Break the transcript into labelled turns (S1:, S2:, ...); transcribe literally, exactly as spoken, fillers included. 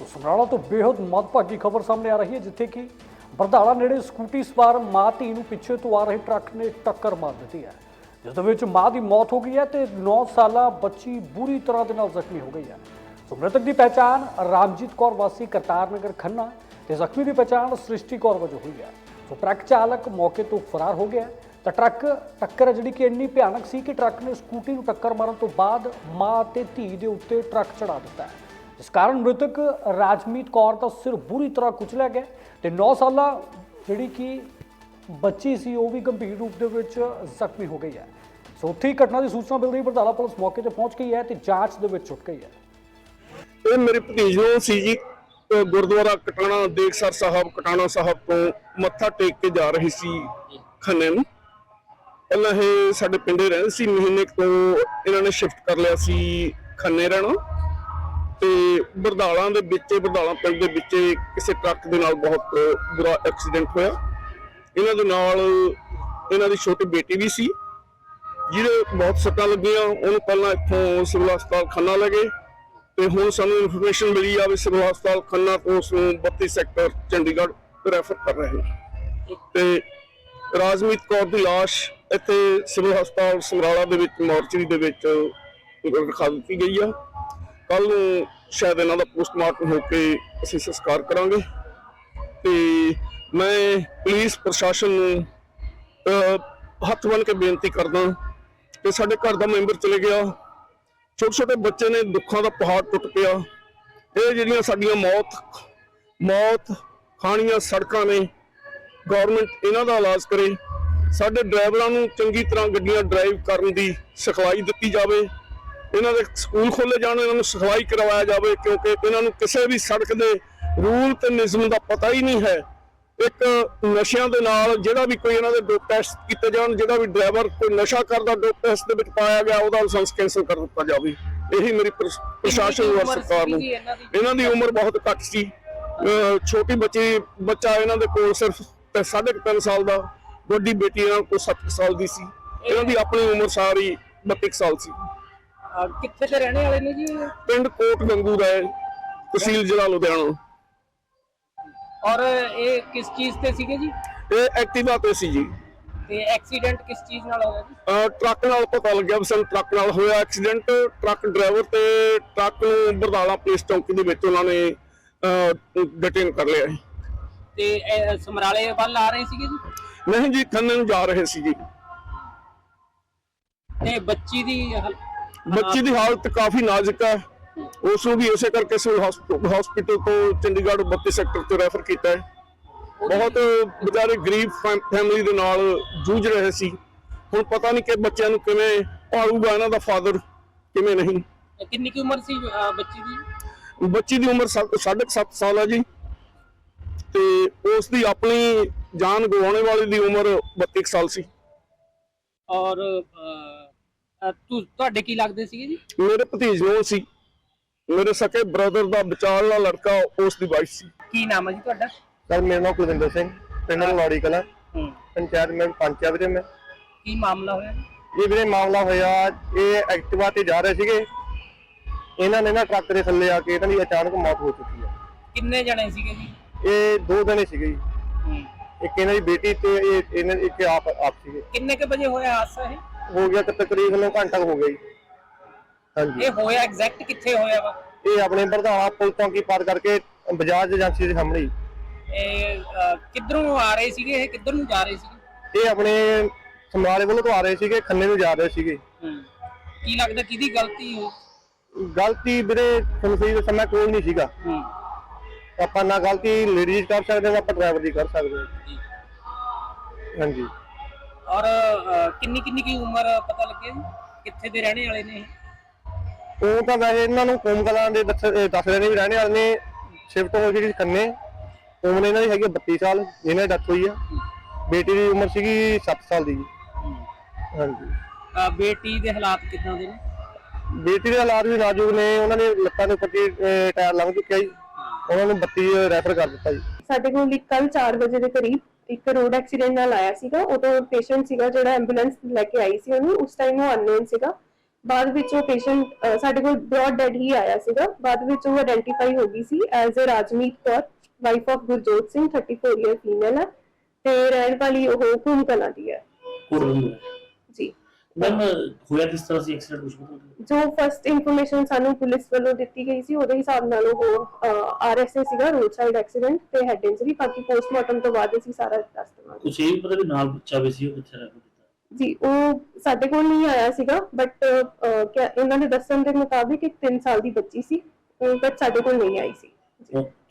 S1: तो ਸਮਰਾਲਾ ਤੋਂ ਬੇहद ਮੰਦਭਾਗੀ ਖਬਰ ਸਾਹਮਣੇ ਆ ਰਹੀ ਹੈ, ਜਿੱਥੇ ਕਿ ਬਰਦਾਲਾ ਨੇੜੇ ਸਕੂਟੀ ਸਵਾਰ ਮਾਂ ਧੀ ਨੂੰ ਪਿੱਛੇ ਤੋਂ ਆ ਰਹੇ ਟਰੱਕ ਨੇ ਟੱਕਰ ਮਾਰ ਦਿੱਤੀ ਹੈ, ਜਿਸ ਦੇ ਵਿੱਚ ਮਾਂ ਦੀ ਮੌਤ ਹੋ ਗਈ ਹੈ ਤੇ ਨੌ ਸਾਲਾ ਬੱਚੀ ਬੁਰੀ ਤਰ੍ਹਾਂ ਦੇ ਨਾਲ ਜ਼ਖਮੀ ਹੋ ਗਈ ਹੈ। ਸੋ ਮ੍ਰਿਤਕ ਦੀ ਪਹਿਚਾਣ ਰਾਮਜੀਤ ਕੌਰ ਵਾਸੀ ਕਰਤਾਰ ਨਗਰ ਖੰਨਾ ਤੇ ਜ਼ਖਮੀ ਦੀ ਪਹਿਚਾਣ ਸ੍ਰਿਸ਼ਟੀ ਕੌਰ ਵਜੋਂ ਹੋਈ ਹੈ। ਸੋ ਟਰੱਕ ਚਾਲਕ ਮੌਕੇ ਤੋਂ ਫਰਾਰ ਹੋ ਗਿਆ ਤਾਂ ਟਰੱਕ ਟੱਕਰ ਜਿਹੜੀ ਕਿ ਇੰਨੀ ਭਿਆਨਕ ਸੀ ਕਿ ਟਰੱਕ ਨੇ ਸਕੂਟੀ ਨੂੰ ਟੱਕਰ ਮਾਰਨ ਤੋਂ ਬਾਅਦ ਮਾਂ ਤੇ ਧੀ ਦੇ ਉੱਤੇ ਟਰੱਕ ਚੜਾ ਦਿੱਤਾ ਹੈ, जिस कारण मृतक राजमीत कौर का सिर बुरी तरह कुचलिया गया तो नौ साला जी कि बच्ची सी वो भी गंभीर रूप से जख्मी हो गई है। सो उत्थे ही घटना की सूचना मिलती ही बरदाला पुलिस मौके पर पहुंच गई है तो जांच दे विच छुट गई है।
S2: ये मेरे भतीज नूं सी जी गुरुद्वारा कटाना देखसर साहब कटाना साहब तो मत्था टेक के जा रही सी खन्ने नूं। पहलां ये साडे पिंडे रहंदे सी, महीने तो इन्होंने शिफ्ट कर लिया सी खन्ने रहना ਤੇ ਬਰਦਾਲਾ ਦੇ ਵਿੱਚ ਬਰਦਾਲਾ ਪਿੰਡ ਦੇ ਵਿੱਚ ਕਿਸੇ ਟਰੱਕ ਦੇ ਨਾਲ ਬਹੁਤ ਬੁਰਾ ਐਕਸੀਡੈਂਟ ਹੋਇਆ। ਇਹਨਾਂ ਦੇ ਨਾਲ ਇਹਨਾਂ ਦੀ ਛੋਟੀ ਬੇਟੀ ਵੀ ਸੀ ਜਿਹਦੇ ਬਹੁਤ ਸੱਟਾਂ ਲੱਗੀਆਂ। ਉਹਨੂੰ ਪਹਿਲਾਂ ਇੱਥੋਂ ਸਿਵਲ ਹਸਪਤਾਲ ਖੰਨਾ ਲੈ ਗਏ ਤੇ ਹੁਣ ਸਾਨੂੰ ਇਨਫੋਰਮੇਸ਼ਨ ਮਿਲੀ ਆ ਵੀ ਸਿਵਲ ਹਸਪਤਾਲ ਖੰਨਾ ਤੋਂ ਉਸ ਨੂੰ ਬੱਤੀ ਸੈਕਟਰ ਚੰਡੀਗੜ੍ਹ ਰੈਫਰ ਕਰ ਰਹੇ ਨੇ। ਤੇ ਰਾਜਮੀਤ ਕੌਰ ਦੀ ਲਾਸ਼ ਇੱਥੇ ਸਿਵਲ ਹਸਪਤਾਲ ਸਮਰਾਲਾ ਦੇ ਵਿੱਚ ਮੋਰਚਰੀ ਦੇ ਵਿੱਚ ਰਖਾ ਦਿੱਤੀ ਗਈ ਆ। ਕੱਲ ਨੂੰ ਸ਼ਾਇਦ ਇਹਨਾਂ ਦਾ ਪੋਸਟਮਾਰਟਮ ਹੋ ਕੇ ਅਸੀਂ ਸੰਸਕਾਰ ਕਰਾਂਗੇ ਤੇ ਮੈਂ ਪੁਲਿਸ ਪ੍ਰਸ਼ਾਸਨ ਨੂੰ ਹੱਥ ਬੰਨ੍ਹ ਕੇ ਬੇਨਤੀ ਕਰਦਾ ਕਿ ਸਾਡੇ ਘਰ ਦਾ ਮੈਂਬਰ ਚਲੇ ਗਿਆ, ਛੋਟੇ ਛੋਟੇ ਬੱਚੇ ਨੇ, ਦੁੱਖਾਂ ਦਾ ਪਹਾੜ ਟੁੱਟ ਪਿਆ। ਇਹ ਜਿਹੜੀਆਂ ਸਾਡੀਆਂ ਮੌਤ ਮੌਤ ਖਾਣੀਆਂ ਸੜਕਾਂ ਨੇ, ਗੌਰਮੈਂਟ ਇਹਨਾਂ ਦਾ ਇਲਾਜ ਕਰੇ। ਸਾਡੇ ਡਰਾਈਵਰਾਂ ਨੂੰ ਚੰਗੀ ਤਰ੍ਹਾਂ ਗੱਡੀਆਂ ਡਰਾਈਵ ਕਰਨ ਦੀ ਸਿਖਲਾਈ ਦਿੱਤੀ ਜਾਵੇ। ਇਹਨਾਂ ਦੇ ਸਕੂਲ ਖੋਲ੍ਹੇ ਜਾਣ, ਇਹਨਾਂ ਨੂੰ ਸਿਖਲਾਈ ਕਰਵਾਇਆ ਜਾਵੇ ਕਿਉਂਕਿ ਇਹਨਾਂ ਨੂੰ ਕਿਸੇ ਵੀ ਸੜਕ ਦੇ ਰੂਲ ਤੇ ਨਿਯਮ ਦਾ ਪਤਾ ਹੀ ਨਹੀਂ ਹੈ। ਇੱਕ ਨਸ਼ਿਆਂ ਦੇ ਨਾਲ ਜਿਹੜਾ ਵੀ ਕੋਈ ਇਹਨਾਂ ਦੇ ਡੋਪ ਟੈਸਟ ਕੀਤੇ ਜਾਣ, ਜਿਹੜਾ ਵੀ ਡਰਾਈਵਰ ਕੋਈ ਨਸ਼ਾ ਕਰਦਾ ਡੋਪ ਟੈਸਟ ਦੇ ਵਿੱਚ ਪਾਇਆ ਗਿਆ ਉਹਦਾ ਲਾਇਸੈਂਸ ਕੈਂਸਲ ਕਰ ਦਿੱਤਾ ਜਾਵੇ। ਇਹੀ ਮੇਰੀ ਪ੍ਰਸ਼ਾਸਨ ਨੂੰ ਸਰਕਾਰ ਨੂੰ। ਇਹਨਾਂ ਦੀ ਉਮਰ ਬਹੁਤ ਘੱਟ ਸੀ, ਛੋਟੀ ਬੱਚੀ ਬੱਚਾ ਇਹਨਾਂ ਦੇ ਕੋਲ ਸਿਰਫ ਸਾਢੇ ਕੁ ਤਿੰਨ ਸਾਲ ਦਾ, ਵੱਡੀ ਬੇਟੀ ਇਹਨਾਂ ਕੋਲ ਸੱਤ ਸਾਲ ਦੀ ਸੀ। ਇਹਨਾਂ ਦੀ ਆਪਣੀ ਉਮਰ ਸਾਰੀ ਬੱਤੀ ਸਾਲ ਸੀ।
S3: ਕਿੱਥੇ ਦੇ ਰਹਿਣੇ ਵਾਲੇ ਨੇ ਜੀ?
S2: ਪਿੰਡ ਕੋਟ ਗੰਗੂ ਦਾ ਹੈ, ਤਹਿਸੀਲ ਜ਼ਿਲ੍ਹਾ ਲੁਧਿਆਣਾ।
S3: ਔਰ ਇਹ ਕਿਸ ਚੀਜ਼ ਤੇ ਸੀਗੇ ਜੀ?
S2: ਇਹ ਐਕਟਿਵਾ ਤੇ ਸੀ ਜੀ।
S3: ਤੇ ਐਕਸੀਡੈਂਟ ਕਿਸ ਚੀਜ਼ ਨਾਲ ਹੋਇਆ ਜੀ?
S2: ਟਰੱਕ ਨਾਲ ਪਤਾ ਲੱਗਿਆ ਵੀ ਸਾਨੂੰ ਟਰੱਕ ਨਾਲ ਹੋਇਆ ਐਕਸੀਡੈਂਟ। ਟਰੱਕ ਡਰਾਈਵਰ ਤੇ ਟਰੱਕ ਨੂੰ ਬਰਦਾਲਾ ਪੁਲਿਸ ਚੌਂਕੀ ਦੇ ਵਿੱਚ ਉਹਨਾਂ ਨੇ ਡਿਟੇਨ ਕਰ ਲਿਆ ਹੈ।
S3: ਤੇ ਸਮਰਾਲੇ ਵੱਲ ਆ ਰਹੇ ਸੀਗੇ ਜੀ?
S2: ਨਹੀਂ ਜੀ, ਖੰਨੇ ਨੂੰ ਜਾ ਰਹੇ ਸੀ ਜੀ।
S3: ਤੇ ਬੱਚੀ ਦੀ
S2: ਬੱਚੀ ਦੀ ਹਾਲਤ ਕਾਫੀ ਨਾਜ਼ੁਕ ਹੈ, ਉਸ ਨੂੰ ਵੀ ਇਸੇ ਕਰਕੇ ਸਿਵਲ ਹਸਪੀਟਲ ਤੋਂ ਚੰਡੀਗੜ੍ਹ ਬੱਤੀ ਸੈਕਟਰ ਤੋਂ ਰੈਫਰ ਕੀਤਾ ਹੈ। ਬਹੁਤ ਵਿਚਾਰੇ ਗਰੀਬ ਫੈਮਿਲੀ ਦੇ ਨਾਲ ਜੂਝ ਰਹੇ ਸੀ। ਹੁਣ ਪਤਾ ਨਹੀਂ ਕਿ ਬੱਚਿਆਂ ਨੂੰ ਕਿਵੇਂ ਪਾਲੂਗਾ ਇਹਨਾਂ ਦਾ ਫਾਦਰ, ਕਿਵੇਂ ਨਹੀਂ।
S3: ਕਿੰਨੀ ਕੀ ਉਮਰ ਸੀ ਬੱਚੀ ਦੀ?
S2: ਬੱਚੀ ਦੀ ਉਮਰ ਸਾਢੇ ਸੱਤ ਸਾਲ ਹੈ ਜੀ ਤੇ ਉਸ ਦੀ ਆਪਣੀ ਜਾਨ ਗਵਾਉਣੇ ਵਾਲੀ ਦੀ ਉਮਰ ਬੱਤੀ ਸਾਲ ਸੀ।
S3: ਔਰ ਤੁਹਾਡੇ ਕੀ ਲੱਗਦੇ ਸੀਗੇ ਜੀ?
S2: ਮੇਰੇ ਭਤੀਜ ਨੂੰ ਸੀ, ਮੇਰੇ ਸਕੇ ਬ੍ਰਦਰ ਦਾ ਵਿਚਾਰਲਾ ਲੜਕਾ, ਉਸ ਦੀ ਵਾਈਫ ਸੀ।
S3: ਕੀ ਨਾਮ ਹੈ ਜੀ ਤੁਹਾਡਾ?
S4: ਸਰ ਮੇਰਾ ਨਾਮ ਕੁਲਵਿੰਦਰ ਸਿੰਘ, ਪਿੰਡ ਲਵਾੜੀ ਕਲਾਂ, ਪੰਚਾਇਤ ਮੈਂ ਪੰਚ ਆ ਵੀਰੇ। ਮੈਂ
S3: ਕੀ ਮਾਮਲਾ ਹੋਇਆ
S4: ਇਹ ਵੀਰੇ ਮਾਮਲਾ ਹੋਇਆ, ਇਹ ਐਕਟਿਵਾ ਤੇ ਜਾ ਰਹੇ ਸੀਗੇ, ਇਹਨਾਂ ਨੇ ਨਾ ਟਰੱਕ ਦੇ ਥੱਲੇ ਆ ਕੇ ਇਹਨਾਂ ਦੀ ਅਚਾਨਕ ਮੌਤ ਹੋ ਚੁੱਕੀ ਹੈ।
S3: ਕਿੰਨੇ ਜਣੇ ਸੀਗੇ ਜੀ?
S4: ਇਹ ਦੋ ਜਣੇ ਸੀਗੇ ਜੀ, ਇੱਕ ਇਹਨਾਂ ਦੀ ਬੇਟੀ ਤੇ ਇਹ ਇਹਨਾਂ ਇੱਕ ਆਪ ਆਪ ਸੀਗੇ।
S3: ਕਿੰਨੇ ਕੇ ਵਜੇ ਹੋਇਆ ਹਾਦਸਾ? ਇਹ
S4: ਹੋ ਗਿਆ ਕਿ ਤਕਰੀਬਨ ਘੰਟਾ ਹੋ ਗਿਆ ਜੀ। ਹਾਂਜੀ,
S3: ਇਹ ਹੋਇਆ ਐਗਜ਼ੈਕਟ ਕਿੱਥੇ ਹੋਇਆ ਵਾ?
S4: ਇਹ ਆਪਣੇ ਬਰਦਾਲਾ ਪੁਲ ਚੌਂਕੀ ਪਾਰ ਕਰਕੇ ਬਜਾਜ ਏਜੰਸੀ ਦੇ ਸਾਹਮਣੇ।
S3: ਇਹ ਕਿੱਧਰੋਂ ਆ ਰਹੇ ਸੀਗੇ? ਇਹ ਕਿੱਧਰ ਨੂੰ ਜਾ ਰਹੇ ਸੀਗੇ?
S4: ਇਹ ਆਪਣੇ ਸਮਰਾਲੇ ਵੱਲੋਂ ਤੋਂ ਆ ਰਹੇ ਸੀਗੇ, ਖੰਨੇ ਨੂੰ ਜਾ ਰਹੇ ਸੀਗੇ।
S3: ਕੀ ਲੱਗਦਾ ਕਿਹਦੀ ਗਲਤੀ ਹੋ?
S4: ਗਲਤੀ ਵੀਰੇ ਤੁਹਾਨੂੰ ਸਹੀ ਦੱਸਾਂ, ਮੈਂ ਕੋਲ ਨਹੀਂ ਸੀਗਾ। ਆਪਾਂ ਨਾ ਗਲਤੀ ਲੇਡੀਜ਼ ਕਰ ਸਕਦੇ ਹਾਂ, ਆਪਾਂ ਡਰਾਈਵਰ ਦੀ ਕਰ ਸਕਦੇ ਹਾਂ। ਹਾਂਜੀ।
S3: ਔਰ ਕਿੰਨੀ ਕਿੰਨੀ ਕੀ ਉਮਰ ਪਤਾ ਲੱਗਿਆ ਜੀ? ਕਿੱਥੇ ਦੇ ਰਹਿਣੇ ਵਾਲੇ ਨੇ?
S4: ਉਹ ਤਾਂ ਵੈਸੇ ਇਹਨਾਂ ਨੂੰ ਕੋਮ ਕਲਾਂ ਦੇ ਦੱਸ ਰਹੇ ਨੇ ਵੀ ਰਹਿਣੇ ਵਾਲੇ ਨੇ, ਸ਼ਿਫਟ ਹੋ ਗਈ ਖੰਨੇ। ਉਮਰ ਇਹਨਾਂ ਦੀ ਹੈਗੀ ਬੱਤੀ ਸਾਲ, ਜਿਹਨਾਂ ਦੀ ਡੈਥ ਹੋਈ ਆ। ਬੇਟੀ ਦੀ ਉਮਰ ਸੀਗੀ ਸੱਤ ਸਾਲ ਦੀ। ਹਾਂਜੀ।
S3: ਬੇਟੀ ਦੇ ਹਾਲਾਤ ਕਿੱਦਾਂ ਦੇ ਨੇ?
S4: ਬੇਟੀ ਦੇ ਹਾਲਾਤ ਵੀ ਨਾਜ਼ੁਕ ਨੇ, ਉਹਨਾਂ ਦੇ ਲੱਤਾਂ ਦੇ ਉੱਪਰ ਟਾਇਰ ਲੰਘ ਚੁੱਕਿਆ ਜੀ, ਉਹਨਾਂ ਨੂੰ ਬੱਤੀ ਰੈਫਰ ਕਰ ਦਿੱਤਾ ਜੀ।
S5: ਸਾਡੇ ਕੋਲ ਕੱਲ ਚਾਰ ਵਜੇ ਦੇ ਕਰੀਬ ਇੱਕ ਰੋਡ ਐਕਸੀਡੈਂਟ ਨਾਲ ਆਇਆ ਸੀਗਾ। ਉਦੋਂ ਪੇਸ਼ੈਂਟ ਸੀਗਾ ਜਿਹੜਾ ਐਂਬੂਲੈਂਸ ਲੈ ਕੇ ਆਈ ਸੀ ਉਹਨੂੰ, ਉਸ ਟਾਈਮ ਉਹ ਅਨਨੋਨ ਸੀਗਾ। ਬਾਅਦ ਵਿੱਚ ਉਹ ਪੇਸ਼ੈਂਟ ਸਾਡੇ ਕੋਲ ਬ੍ਰੌਡ ਡੈਡ ਹੀ ਆਇਆ ਸੀਗਾ। ਬਾਅਦ ਵਿੱਚ ਉਹ ਆਇਡੈਂਟੀਫਾਈ ਹੋ ਗਈ ਸੀ as a Rajmeet Kaur, wife of Gurjot Singh, thirty four year female ਹੈ ਤੇ ਰਹਿਣ ਵਾਲੀ ਉਹ ਖੂਨ ਕਲਾਂ ਦੀ ਹੈ ਜੀ।
S6: ਮੈਮ ਹੋਇਆ ਕਿਸ ਤਰ੍ਹਾਂ ਸੀ ਐਕਸੀਡੈਂਟ? ਕੁਝ ਪਤਾ?
S5: ਜੋ ਫਸਟ ਇਨਫੋਰਮੇਸ਼ਨ ਸਾਨੂੰ ਪੁਲਿਸ ਵੱਲੋਂ ਦਿੱਤੀ ਗਈ ਸੀ ਉਹਦੇ ਹਿਸਾਬ ਨਾਲ ਉਹ ਆਰ ਐਸ ਏ ਸੀਗਾ, ਰੋਡ ਸਾਈਡ ਐਕਸੀਡੈਂਟ ਤੇ ਹੈਡ ਇੰਜਰੀ। ਬਾਕੀ ਪੋਸਟਮਾਰਟਮ ਤੋਂ ਬਾਅਦ ਅਸੀਂ ਸਾਰਾ ਦੱਸ ਦੇਵਾਂਗੇ।
S6: ਕੁਝ ਇਹ ਵੀ ਪਤਾ ਵੀ ਨਾਲ ਬੱਚਾ ਵੀ ਸੀ, ਉਹ ਕਿੱਥੇ ਰਹਿ ਗਿਆ?
S5: ਜੀ ਉਹ ਸਾਡੇ ਕੋਲ ਨਹੀਂ ਆਇਆ ਸੀਗਾ, ਬਟ ਇਹਨਾਂ ਦੇ ਦੱਸਣ ਦੇ ਮੁਤਾਬਿਕ ਇੱਕ ਤਿੰਨ ਸਾਲ ਦੀ ਬੱਚੀ ਸੀ, ਬਟ ਸਾਡੇ ਕੋਲ ਨਹੀਂ ਆਈ ਸੀ।
S6: ਉਹ